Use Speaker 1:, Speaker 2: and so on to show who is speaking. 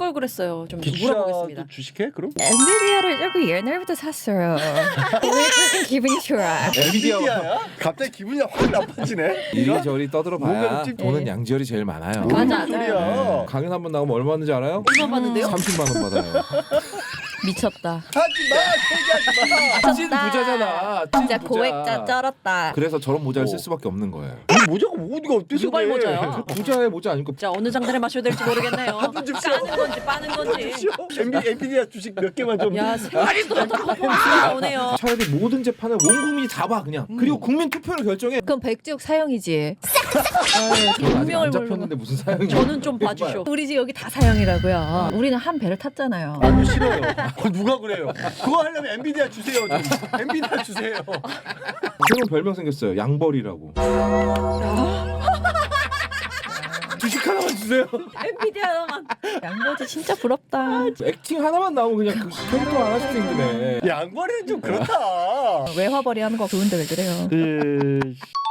Speaker 1: 걸 그랬어요. 좀
Speaker 2: 기주샤도
Speaker 1: 물어보겠습니다.
Speaker 2: 주식해 그럼?
Speaker 3: 엔비디아를 조금 옛날부터 샀어요. 오늘 조금 기분이 좋아.
Speaker 2: 엔비디아야? 갑자기 기분이 확 나빠지네.
Speaker 4: 이리저리 떠들어봐야
Speaker 2: 뭔가 좀
Speaker 4: 돈은 양지열이 제일 많아요.
Speaker 1: 맞아.
Speaker 2: 소리야.
Speaker 4: 강연 한 번 나오면 얼마 받는지 알아요?
Speaker 1: 얼마 받는데요?
Speaker 4: 30만 원 받아요.
Speaker 1: 미쳤다.
Speaker 2: 하지마 얘기하지마.
Speaker 4: 찐 부자잖아. 찐
Speaker 3: 진짜
Speaker 4: 부자.
Speaker 3: 고액자 쩔었다.
Speaker 4: 그래서 저런 모자를 쓸 수밖에 없는 거예요.
Speaker 2: 모자가 어디가 어때서
Speaker 1: 유발
Speaker 2: 그래.
Speaker 1: 모자야.
Speaker 4: 부자의 모자 아니고
Speaker 1: 자 어느 장단에 마셔야 될지 모르겠네요. 까는 건지 빠는 건지.
Speaker 2: 엔비디아 주식 몇 개만 좀.
Speaker 1: 야 생각보다 퍼포먼스가 나오네요.
Speaker 4: 차라리 모든 재판을 온 국민이 다 봐 그냥. 그리고 국민 투표를 결정해.
Speaker 3: 그럼 백지옥 사형이지.
Speaker 4: 저는 아직
Speaker 1: 운명을
Speaker 4: 안 잡혔는데 무슨 사연이?
Speaker 1: 저는 좀 봐주쇼.
Speaker 3: 우리 집 여기 다 사형이라고요. 우리는 한 배를 탔잖아요.
Speaker 2: 아니 싫어요. 누가 그래요? 그거 하려면 엔비디아 주세요. 좀. 엔비디아 주세요.
Speaker 4: 새로운 별명 생겼어요. 양벌이라고. 주식 하나만 주세요.
Speaker 1: 엔비디아만.
Speaker 3: 양보지 진짜 부럽다.
Speaker 4: 액팅 하나만 나오면 그냥 그 캐릭터 하나씩 생기네.
Speaker 2: 양거리는 좀 그렇다.
Speaker 3: 외화벌이 하는 거 좋은데 왜 그래요?